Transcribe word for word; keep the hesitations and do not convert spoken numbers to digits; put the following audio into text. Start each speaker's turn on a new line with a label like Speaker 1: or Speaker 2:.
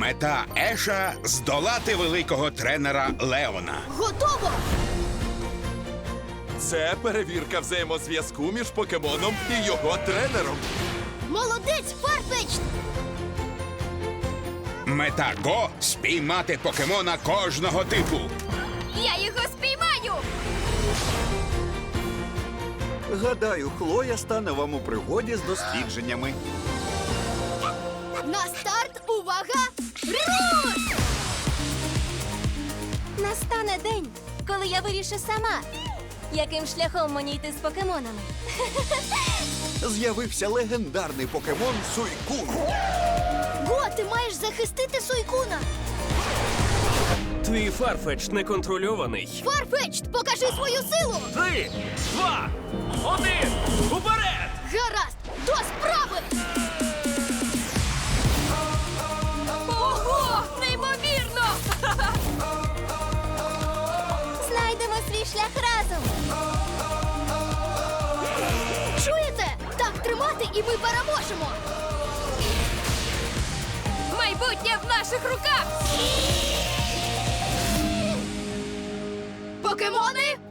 Speaker 1: Мета Еша – здолати великого тренера Леона.
Speaker 2: Готово!
Speaker 3: Це перевірка взаємозв'язку між покемоном і його тренером.
Speaker 2: Молодець, Фарфетчд!
Speaker 1: Мета Го – спіймати покемона кожного типу.
Speaker 2: Я його спіймаю!
Speaker 4: Гадаю, Хлоя стане вам у пригоді з дослідженнями.
Speaker 2: На старт, увага! Руш!
Speaker 5: Настане день, коли я вирішу сама, яким шляхом мені йти з покемонами.
Speaker 4: З'явився легендарний покемон Суйкун.
Speaker 2: Го, ти маєш захистити Суйкуна!
Speaker 6: Твій Фарфетч неконтрольований.
Speaker 2: Фарфетчд, покажи свою силу!
Speaker 6: Три, два, один, уперед!
Speaker 2: Гаразд, до справи! Ого, неймовірно!
Speaker 5: Знайдемо свій шлях разом.
Speaker 2: Чуєте? Так тримати і ми переможемо! Майбутнє в наших руках! Покемони